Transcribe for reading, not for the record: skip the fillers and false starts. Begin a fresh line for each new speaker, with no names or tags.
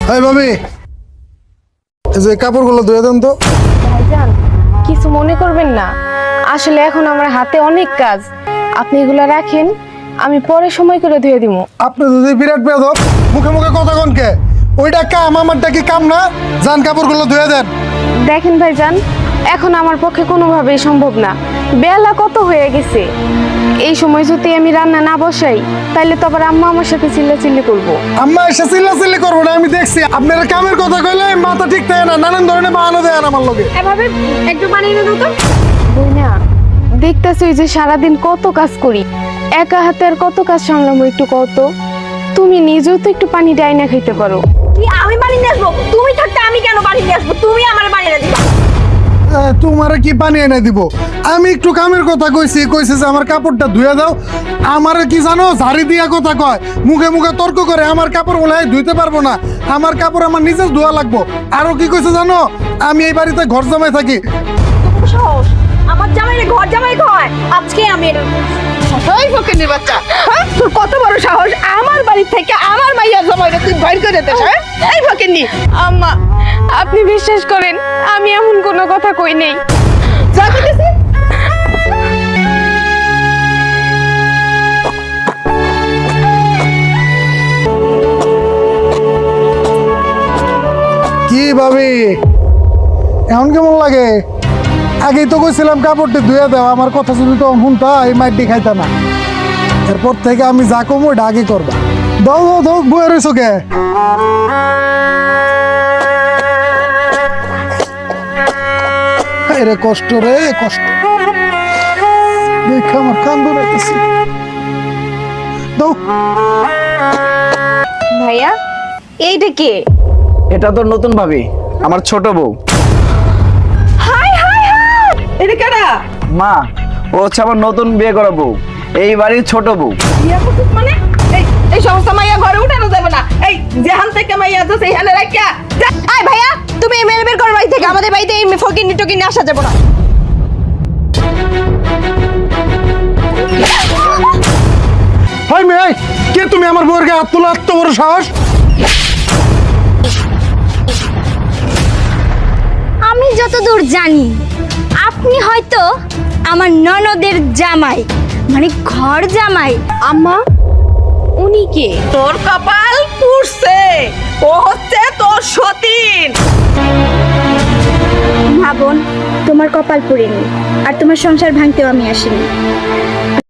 এই ভাবি, এই যে কাপড়গুলো ধুয়ে দেন তো।
ভাইজান কিছু মনে করবেন না, আসলে এখন আমার হাতে অনেক কাজ, আপনি এগুলো রাখেন, আমি পরে সময় করে ধুয়ে দিব।
আপনি যদি বিরাট বেয়াদব, মুখে মুখে কথা কন কে? ওইটা কাম, আমারটা কি কাম না? যান কাপড়গুলো ধুয়ে দেন।
দেখেন ভাইজান, এখন আমার পক্ষে কোনোভাবেই সম্ভব না, বেলা কত হয়ে গেছে। এই সময় যদি আমি রান্না না বসাই তাহলে তো আবার আম্মা আমার সাথে চিল্লাচিল্লি করবো।
আম্মা এসে চিল্লাচিল্লি করবো না, আমি দেখছি। আপনারা কামের কথা কইলে মাথা ঠিক থাকে না, নানান ধরনের বাহানা দেন আমার লগে।
এভাবে একটু বানিয়ে দাও তো। বই না, দেখতেছই যে সারাদিন কত কাজ করি, একা হাতে আর কত কাজ সামলামো, একটু কত। তুমি নিজেও তো একটু পানি ডাইনা খাইতে পারো।
কি আমি বাড়ি নিয়ে আসবো? তুমি থাকতে আমি কেন বাড়ি নিয়ে আসবো? তুমি আমার বাড়ি এনে দিবা।
তোমারে কি পানি এনে দিব? আমি একটু কামের কথা কইছি, কইছে যে আমার কাপড়টা ধুয়ে দাও। আমারে কি জানো, ঝাড়ি দিয়া কথা কয়, মুখে মুখে তর্ক করে। আমার কাপড় বলে ধুইতে পারবো না, আমার কাপড় আমার নিজের ধোয়া লাগবো। আরো কি কইছে জানো, আমি এই বাড়িতে ঘর জামাই থাকি।
সাহস, আমার জামাই ঘর জামাই কয়। আজকে আমি
ওই ফকিনের বাচ্চা, হ্যাঁ? তোর কত বড় সাহস আমার বাড়ি থেকে আমার মাইয়া জামাইরে তুই বাইর করে দিস, হ্যাঁ? এই ফকিন্নি,
আম্মা আপনি বিশ্বাস করেন, আমি এমন কোনো কথা কই নেই।
যা কইতেছি।
কি ভাবি, এখন কেমন লাগে? আগেই তো কইছিলাম কাপড়টি ধুয়ে দাও, আমার কথা যদি তো শুনতা এই মাইটি খাইতা না। এরপর থেকে আমি যা কমো ওটা আগে করবা। দাও দাও দাও, বয়ে রয়েছো কে? রে কষ্ট রে কষ্ট, দেখ আমার কান ধরেছে। দাও।
ভাইয়া, এইটা কে?
এটা তো নতুন ভাবি, আমার ছোট বউ।
হাই হাই হাই,
এটা কেডা?
মা, ও হচ্ছে আমার নতুন বিয়ে করা বউ, এই বাড়ির ছোট বউ।
বিয়া করছিস মানে? এই এই সমস্ত মাইয়া ঘরে উঠানো যাবে না। এই যেখান থেকে মাইয়া আছে সেইখানে রাখিয়া যা।
এই ভাইয়া, তুমি এই মেরে বের করো বাড়ি থেকে। আমাদের বাড়িতে এই ফকিন্নি টকিন্নি আসা যাবে না।
হাই মেয়ে, কে তুমি? আমার বউয়ের গায়ে হাত তোলা, এত বড় সাহস?
আমি যতদূর জানি আপনি হয়তো আমার ননদের জামাই, মানে ঘর জামাই।
আম্মা উনি কে?
তোর কপাল পুড়ছে, ও হচ্ছে তোর সতীন।
না বোন, তোমার কপাল পুড়েনি, আর তোমার সংসার ভাঙতেও আমি আসিনি।